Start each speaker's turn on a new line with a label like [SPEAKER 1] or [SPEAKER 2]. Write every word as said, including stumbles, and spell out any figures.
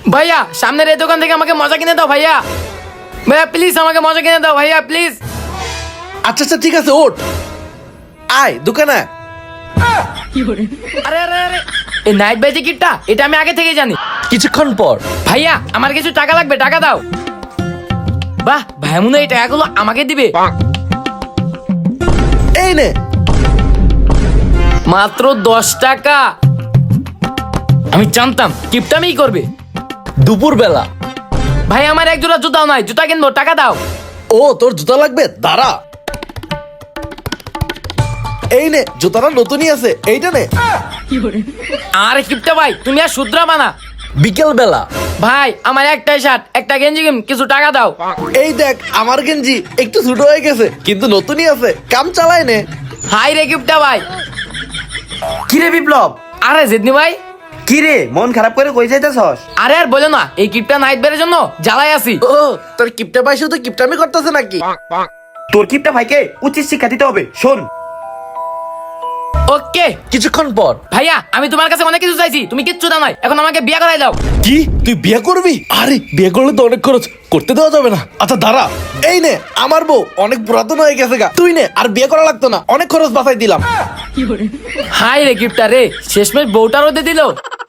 [SPEAKER 1] ভাইয়া সামনের এই দোকান থেকে আমাকে মজা কিনে দাও ভাইয়া। ভাইয়া প্লিজ আমাকে মজা কিনে দাও ভাইয়া প্লিজ।
[SPEAKER 2] আচ্ছা আচ্ছা ঠিক আছে, ওঠ আয় দোকানে।
[SPEAKER 1] আরে আরে আরে এই নাইট বাই টিকিটটা এটা আমি আগে থেকে জানি।
[SPEAKER 2] কিছুক্ষণ পর
[SPEAKER 1] ভাইয়া আমার কিছু টাকা লাগবে, টাকা দাও। বাহ ভাইয়া মনে হয় এই টাকাগুলো আমাকে দিবে।
[SPEAKER 2] এই নে।
[SPEAKER 1] মাত্র দশ টাকা। আমি জানতাম কিপটামিই করবে।
[SPEAKER 2] দুপুর বেলা।
[SPEAKER 1] ভাই আমার এক জোড়া জুতাও নাই, জুতা কিনবো, টাকা দাও।
[SPEAKER 2] ও তোর জুতা লাগবে, দাঁড়া। এই নে, জুতাটা নতুনই আছে, এইটা নে।
[SPEAKER 1] আরে কিপটা ভাই তুমি আর শুদ্রা বানা।
[SPEAKER 2] বিকেল বেলা।
[SPEAKER 1] ভাই আমার একটাই শার্ট একটা গেঞ্জি কিন, কিছু টাকা দাও।
[SPEAKER 2] এই দেখ আমার গেঞ্জি একটু ছোট হয়ে গেছে কিন্তু নতুনই আছে, কাম চালায় নে।
[SPEAKER 1] হাই রে কিপটা ভাই।
[SPEAKER 3] কিরে বিপ্লব,
[SPEAKER 1] আরে জিদনি ভাই।
[SPEAKER 3] কিরে মন খারাপ করে কই যাইতেছস?
[SPEAKER 1] আরে আর বলো না, এই কিপটা নাইট বের জন্য জ্বালাই আছি।
[SPEAKER 2] ও তোর কিপটা পাইছো তো কিপটামি করতেছে নাকি?
[SPEAKER 3] তোর কিপটা ভাইকে উচিত শিক্ষা দিতে হবে, শোন।
[SPEAKER 1] ওকে
[SPEAKER 2] কিছুক্ষণ পর।
[SPEAKER 1] ভাইয়া আমি তোমার কাছে অনেক কিছু চাইছি, তুমি কিচ্ছু দাও নাই, এখন আমাকে বিয়ে করাই দাও।
[SPEAKER 2] কি তুই বিয়ে করবি? আরে বিয়ে করলে তো অনেক খরচ, করতে দেওয়া যাবে না। আচ্ছা দাঁড়া, এই নে আমার বউ অনেক পুরাতন হয়ে গেছে গা, তুই নে, আর বিয়ে করা লাগতো না, অনেক খরচ বাঁচাই দিলাম।
[SPEAKER 1] হাই রে কিপটা রে, শেষমেশ বউটা রোদে দিল।